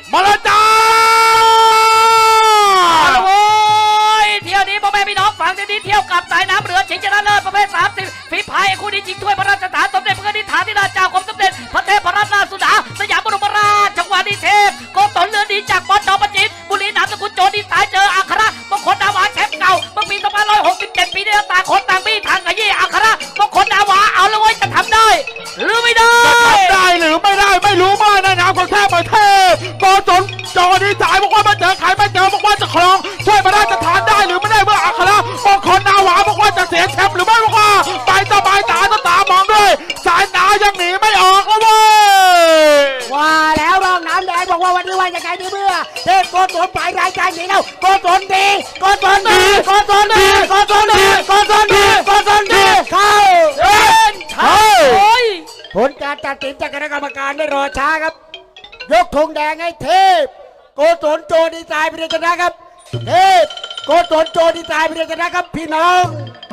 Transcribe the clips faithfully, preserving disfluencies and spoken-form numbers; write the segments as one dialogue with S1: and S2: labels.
S1: มาแล้วจ้า
S2: โอ้ยเที่ยวนี้พ่อแม่พี่น้องฟังดีๆเที่ยวกับสายน้ำเรือชิงชนะเลิศประเภทสามสิบฝีพายคู่นี้ชิงถ้วยพระราชทานสมเด็จพระนิธิฐานธิราชเจ้ากรมสมเด็จพระเทพรัตนราชสุดาสยามบรมราชจังหวัดนิเทพโกศลเรือดีจากบอลจอมจิตบุรีนามสกุลโจดีสายเจออัคระมงคลนาวาแชมป์เก่าเมื่อปีสองพันห้าร้อยหกสิบเจ็ดปีนี้ต่างคนต่างบี้ทางขยี้อัคระมงคลนาวาเอาเลยเว้ยจะทำได้หรือไม่ได้
S1: จะทำได้หรือไม่ได้ไม่รู้มากในนามของเทพประเทศโกศลจอดีสายบอกว่ามาเจอใครไม่เจอบอกว่าจะครองช่วยพระราชทานได้หรือไม่ได้เมื่ออัครมงคลนาวาบอกว่าจะเสียแชมป์หรือไม่บอกว่าไปตาบายตาตาตามองด้วยสายตายังหนีไม่ออกแล้วเว้ย
S3: ว่าแล้วรองน้ำแดงบอกว่าวันนี้ว่ายังไงดีเมื่อเทพโกศลฝ่ายรายการหนีแล้วโกศลดีโกศลดีโกศลดีโกศลดีโกศลดีโกศลดีเข้า
S2: เดินเข้า
S3: ผลการตัดสินจากคณะกรรมการไม่รอช้าครับยกธงแดงให้เทพโกศลโจดีไซน์เป็นชนะครับเทพโกศลโจดีไซน์เป็นชนะครับพี่น้อง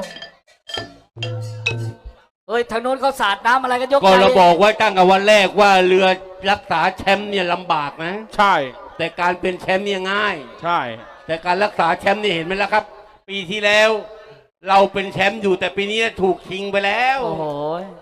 S2: เฮ้ยทางโน้นเขาสาดน้ำอะไรกันยก
S4: ก็เราบอกไว้ตั้งแต่วันแรกว่าเรือรักษาแชมป์เนี่ยลำบากนะ
S1: ใช่
S4: แต่การเป็นแชมป์เนี่ยง่าย
S1: ใช่
S4: แต่การรักษาแชมป์นี่เห็นไหมล่ะครับปีที่แล้วเราเป็นแชมป์อยู่แต่ปีนี้ถูกชิงไปแล้ว
S2: โอ้โห